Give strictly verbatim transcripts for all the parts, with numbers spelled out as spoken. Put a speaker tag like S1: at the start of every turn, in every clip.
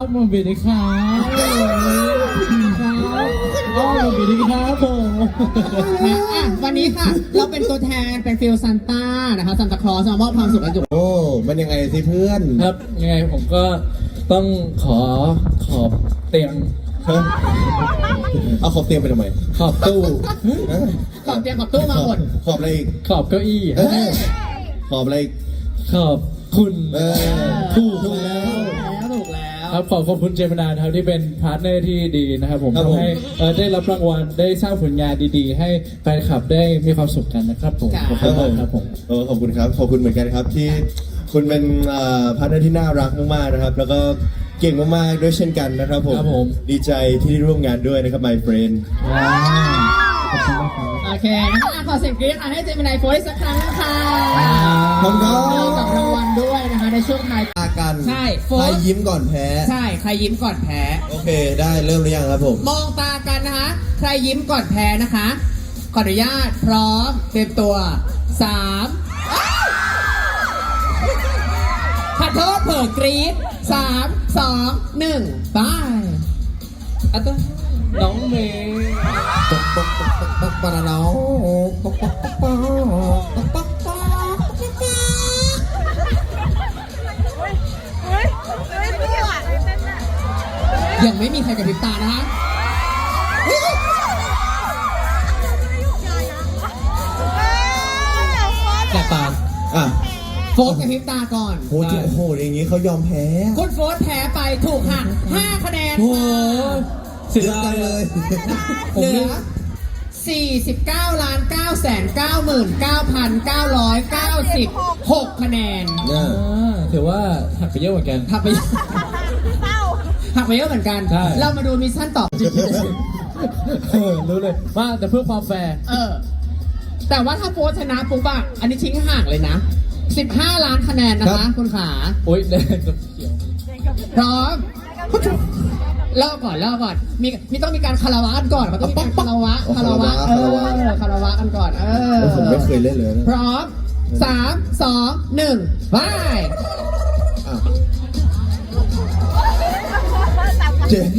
S1: มาบิดีครับอ๋อมาบิดีครับผม
S2: อ่ะวันนี้ค่ะเราเป็นตัวแทนเป็นฟิลซันต้านะคะซันตาคลอสมามอบความสุขให้จุก
S3: โอ้มันยังไงสิเพื่อน
S1: ครับยังไงผมก็ต้องขอขอบเตียง
S3: ฮะเอาขอบเตียงไปทำไม
S1: ขอบตู้
S3: ฮะ
S2: ขอบเตียงขอบตู้มาหมด
S3: ขอบอะไรอีก
S1: ขอบเก้าอี้
S3: เอ้ยขอบอะไรอีก
S1: ขอบคุณ
S3: เออ
S1: ถูกแล้ว
S2: แล้วถูกแล้ว
S1: ครับขอขอบคุณเจมินาครับที่เป็นพาร์ทเนอร์ที่ดีนะครับผมทำให้เอ่อได้รับรางวัลได้สร้างผลงานดีๆ ให้แฟนคลับได้มีความสุขกันนะครับผมขอบคุณมากครับผม
S3: เออขอบคุณครับ ขอบคุณเหมือนกันครับที่คุณเป็นพาร์ทเนอร์ที่น่ารักมากๆนะครับ แล้วก็เก่งมากๆด้วยเช่นกันนะครับผม
S1: ครับผม
S3: ดีใจที่ได้ร่วมงานด้วยนะครับ my friend
S1: ว้าวขอบคุณมากครับ
S2: โอเคนะคะอ่ะขอเสียงกรี๊ดค่ะให้เจมินายโฟร์สักครั้งนะคะ
S3: ขอบคุณครับ
S2: มอบกับรางวัลด้วยนะคะในช่วงท้าย
S3: ตากัน
S2: ใช่โฟ
S3: ใคร
S2: ร์
S3: ยิ้มก่อนแพ้
S2: ใช่ใครยิ้มก่อนแพ้
S3: โอเคได้เริ่มหรือยังครับผม
S2: มองตากันนะคะ ใครยิ้มก่อนแพ้นะคะ ขออนุญาตพร้อมเตรียมตัวสามขอโทษเผิ่กรี๊ดสามสองหนึ่งไปอ่ะตัว
S1: น้องเมย์
S3: ปกปกปกปกปกปะนะน้องปกปกปกปกปกปกปก
S2: ยังไม่มีใครกระพริบตานะคะ
S1: แสบตา
S3: อ่ะ
S2: โฟร์กระพริบตาก่อน
S3: โหโอ้โหอย่างงี้เขายอมแพ้
S2: คุณโฟร์แพ้ไปถูกหักห้าคะแนน
S1: โอ้โหเสีย
S3: เยอะ
S1: ดา
S3: จั
S1: ย
S3: งเลย
S2: เหลือสี่สิบเก้าล้านเก้าแสนเก้าหมื่นเก้าพันเก้าร้อยเก้าสิบหกคะแนน
S3: เนี่ย
S1: อ่าถือว่าหักไปเยอะเหมือนกัน
S2: หักไปหักไปเยอะเหมือนกัน
S1: ใช่
S2: เรามาดูมิชชั่นต่อ
S1: เออรู้เลยว่าแต่เพื่อความแฟร์
S2: เออ แต่ว่าถ้าโฟร์ชนะปุ๊บอะอันนี้ทิ้งห่างเลยนะสิบห้าล้านคะแนนนะคะคุณขา
S1: โอ๊ยแดงกับเขียว
S2: พร้อมเล่าก่อนเล่าก่อน มีมีต้องมีการคารวะกันก่อนมันต้องมีการคารวะคารวะเออคารวะกันก่อน เออ
S3: ผมไม่เคยเล่นเลยนะ
S2: พร้อมสามสองหนึ่งไป
S3: อ่ะเจ็บ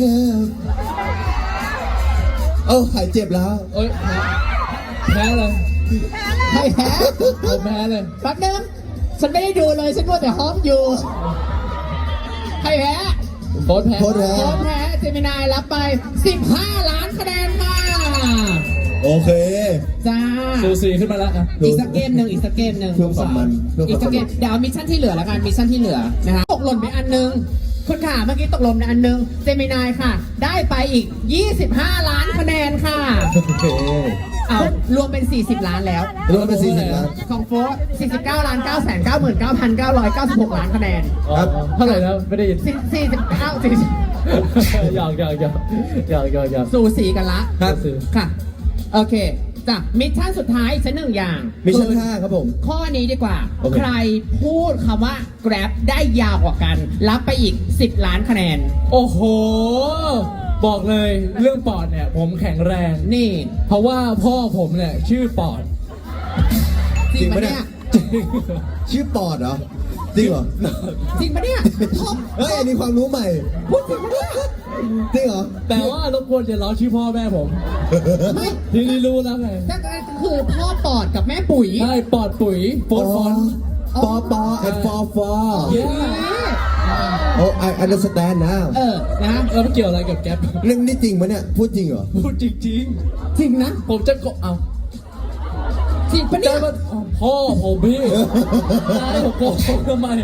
S3: เอ้าหายเจ็บแล้ว
S1: โอ๊ยแพ้เลย
S2: ให้แพ้
S1: ผมแพ้เลย
S2: แป๊บนึงฉันไม่ได้ดูเลยฉันมัวแต่ฮ้อมอยู่ให้แพ้
S1: โค้ดแพ้
S3: โค้ดแพ้
S2: พร้อมแพ้เจมินายรับไปสิบห้าล้านคะแนนค่ะ
S3: โอเค
S2: จ้า
S1: ซูซีขึ้นมาแล้วอ่ะ
S2: อีกสักเกมหนึ่งอีกสักเกมหนึ่ง
S3: เพื่อความมันเพื่อ
S2: อีก
S3: ค
S2: สั
S3: วาก ม
S2: เก
S3: มั
S2: ม
S3: น
S2: เดี๋ยวเอามิชชั่นที่เหลือแล้วกันมิชชั่นที่เหลือนะคะตกหล่นไปอันหนึงคุณขาเมื่อกี้ตกหล่นไปอันหนึงเจมินายค่ะ ได้ไปอีกยี่สิบห้าล้านคะแนนค่ะ
S3: โอเค
S2: เอารวมเป็นสี่สิบล้านแล้ว
S3: รวมเป็นสี่สิบล้าน
S2: ของโฟร์สี่สิบเก้าล้านเก้าแสนเก้าหมื่นเก้าพันเก้าร้อยเก้าสิบหกล้านคะแนน
S1: อ๋อเท่าไหร่นะไม่ได้ยิน
S2: สี่สี่สิบเก้าสี่สิบ
S1: หยอกหยอกหยอกหยอกหยอกหยอก
S2: สูสีกันละ
S3: ครับ
S2: ค่ะ โอเคจ้ะมิชชั่นสุดท้ายอีกสักหนึ่งอย่าง
S3: มิชชั่นห้าครับผม
S2: ข้อนี้ดีกว่า
S3: โอเค
S2: ใครพูดคำว่า Grab ได้ยาวกว่ากัน รับไปอีกสิบล้านคะแนน
S1: โอ้โห บอกเลยเรื่องปอดเนี่ย ผมแข็งแรง
S2: นี่
S1: เพราะว่าพ่อผมเนี่ยชื่อปอด
S2: จริงปะเนี่ย
S1: จริง
S3: ชื่อปอดเหรอ จริงเหรอ
S2: จริงปะเนี่ยท็อป
S3: เฮ้ย อันนี้ความรู้ใหม่
S2: พูดจริงปะเนี่ย
S3: จริงเหรอ
S1: แต่ว่ารบกวนจะล้อชื่อพ่อแม่ผม
S2: ไม่
S1: ทีนี้รู้แล้วไง
S2: ก็คือพ่อปอดกับแม่ปุ๋ย
S1: ใช่ปอดปุ๋ยโฟนฟอน
S3: ปอปอ and for for
S1: เย้
S3: โอ้ I understand now
S2: เออ นะ
S1: แล้วมันเกี่ยวอะไรกับแก๊ป
S3: เรื่องนี้จริงปะเนี่ย พูดจริงเหรอ
S1: พูดจริง
S2: จริงนะ
S1: ๆ ผมจะกดเอา
S2: จริงปะเนี่
S1: ได้
S2: ย
S1: มาพ่อผมพี่ได้ผมโกหกทำไม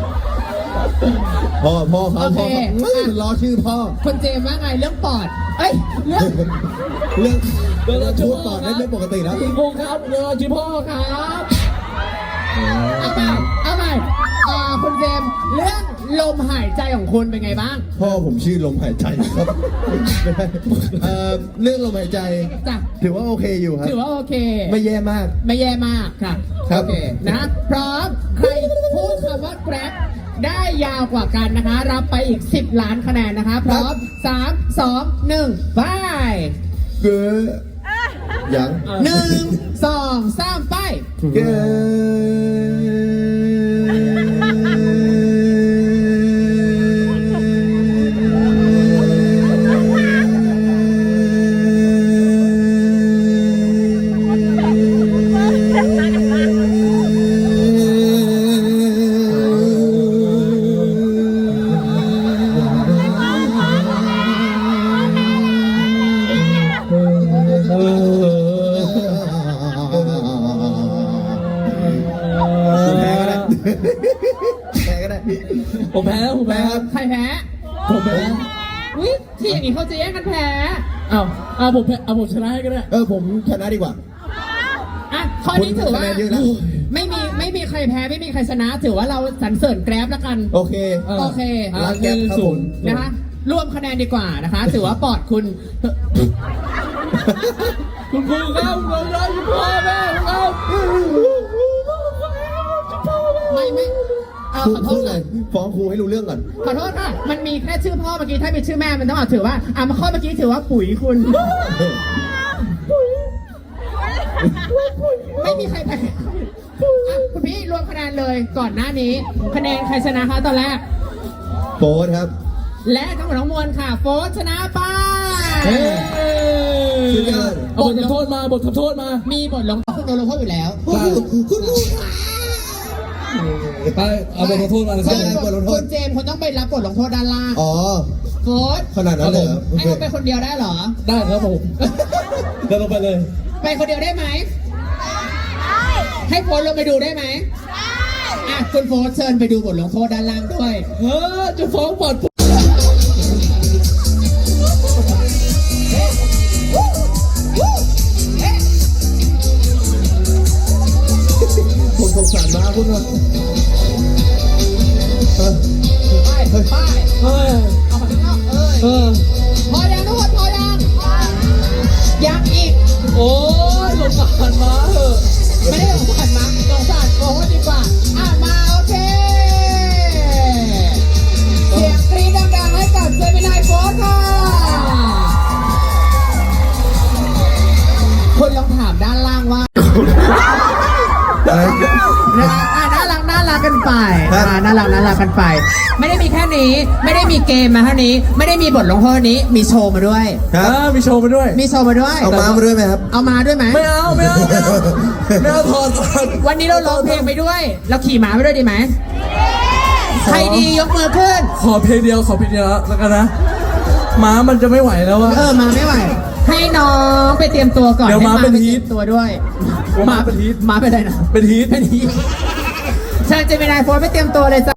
S3: พ่อพ่อเขา
S2: โอเค
S3: พ่อเขาเฮ้ยมันล้อชื่อพ่อ
S2: คุณเจมส์ว่าไงเรื่องปอด เอ้ย เรื่อง
S3: เรื่อง
S1: เดี๋ยวเรา
S3: พูด
S1: จะ
S3: ปอดได้ไม่ปกติแล้ว
S1: คุณครูครับเดี๋ยวเราชื่อพ่อครับ
S2: เอาใหม่เอาใหม่อ่าคุณเจมส์เรื่องลมหายใจของคุณเป็นไงบ้าง
S3: พ่อผมชื่อลมหายใจครับ เอ่อเรื่องลมหายใจ
S2: จ้ะ
S3: ถือว่าโอเคอยู่ครับ
S2: ถือว่าโอเค
S3: ไม่แย่มาก
S2: ไม่แย่มากค่ะ
S3: ครับ
S2: โอเคนะ พร้อม ใครพูดคำว่า Grab ได้ยาวกว่ากันนะคะ รับไปอีกสิบล้านคะแนนนะคะ พร้อมสามสองหนึ่งไป
S3: เกอยัง
S2: หนึ่งสองสามไป
S3: เกอแพ้ก็ได้
S1: ผมแพ้แล้วผมแพ้
S3: ครับ
S2: ใครแพ้
S1: ผมแพ้
S2: อุ้ยที่อย่างนี้เขาจะแย่งกันแพ้
S1: อ้าวอ้าวผมแพ้เอาผมชนะให้ก็ได้
S3: เออผมชนะดีกว่า
S2: อ่ะข้อนี้ถือว่า
S3: คุณคะแนนเยอะนะ
S2: ไม่มีไม่มีใครแพ้ไม่มีใครชนะ ถือว่าเราสรรเสริญแกร็บแล้วกัน
S3: โอเค
S2: โอเค
S1: อ่ะ
S3: รักแก๊ปครับผม
S2: นะคะรวมคะแนนดีกว่านะคะ ถือว่าปอดคุณ
S1: คุณครูครับคุณครูครับคุณพ่อแม่ครับ
S2: ไม่ไม่เออ
S3: พู
S2: ข
S3: ด
S2: อโท
S3: พู
S2: ษ
S3: ดเลยฟ้องครูให้รู้เรื่องก่อน
S2: ขอโทษค่ะ มันมีแค่ชื่อพ่อเมื่อกี้ ถ้าเป็นชื่อแม่มันต้องเอาถือว่าอ่ะมาข้อเมื่อกี้ถือว่าปุ๋ยคุณ ไม่มีใครแพ้อ่ะคุณพี่รวมคะแนนเลยก่อนหน้านี้ คะแนนใครชนะคะตอนแรก
S3: โป๊ตครับ
S2: และทั้งหมดทั้งมวลค่ะ โฟร์ชนะไป
S1: เฮ้
S3: สุดยอด
S1: เอาบททำโทษมาบททำโทษมา
S2: มีบทลงโทษโดนลงโทษอยู่แล้ว
S3: คุณครูค่ะ
S1: ไปเอาบททำโทษมาเลย
S3: ใช่ บทลงโทษ
S2: คุณเจมส์คุณต้องไปรับบทลงโทษด้านล่าง
S3: อ๋อ
S2: โฟร์
S3: ขนาดนั้นเลยเหรอโอ
S2: ให้
S3: เค
S2: เขาไปคนเดียวได้เหรอ
S1: ได้ครับผมเดินลงไปเลย
S2: ไปคนเดียวได้ไหมให้โฟร์ลงไปดูได้ไหมอ่ะคุณโฟร์เชิญไปดูบทลงโทษด้านล่างด้วย
S1: เฮ้อจะฟ้องบท
S3: ผมสงสารมากคุณว่าเออ
S2: ไปไป
S1: เฮ้ย
S2: เอามาข้างนอกเอ้ย
S1: เออ
S2: พอยังทุกคนพอยังยังอีก
S1: โอ้ยสงสารมาเถอะ
S2: ไม่ได้สงสารมั้งสงสารโฟร์ดีกว่าอ่ะมาโอเคเสียงกรี๊ดดังๆให้กับเจมินายโฟร์ค่ะคุณลองถามด้านล่างว่า นะคะอ่ะน่ารักน่ารักกันไป
S3: ครับ
S2: อ่ะน่ารักน่ารักกันไป ไม่ได้มีแค่นี้ ไม่ได้มีเกมมาเท่านี้ ไม่ได้มีบทลงโทษนี้ มีโชว์มาด้วย
S3: ครับ
S1: อ่ามีโชว์มาด้วย
S2: มีโชว์มาด้วย
S3: เอาม้ามาด้วยไหมครับ
S2: เอามาด้วยไหม
S1: ไม่เอาไม่เอาไม่เอาไม่เอาถอดถอด
S2: วันนี้เราร้องเพลงไปด้วย เราขี่ม้าไปด้วยดีไหมใครดียกมือขึ้น
S1: ขอเพลงเดียวขอเพลงเดียวแล้วกันนะม้ามันจะไม่ไหวแล้วอะ
S2: เออ มาไม่ไหว ให้น้องไปเตรียมตัวก่อน
S1: เดี๋ยว
S2: ให้
S1: ม้าเป็น
S2: ไป
S1: ฮี
S2: เตรี
S1: ท
S2: ยมตัวด้วย
S1: ม้าเป็นฮีท
S2: ม้าเป็นอะไรนะ
S1: เป็นฮีท
S2: เป็นฮีทเชิญเจมินายโฟร์ไปเตรียมตัวเลยจ้ะ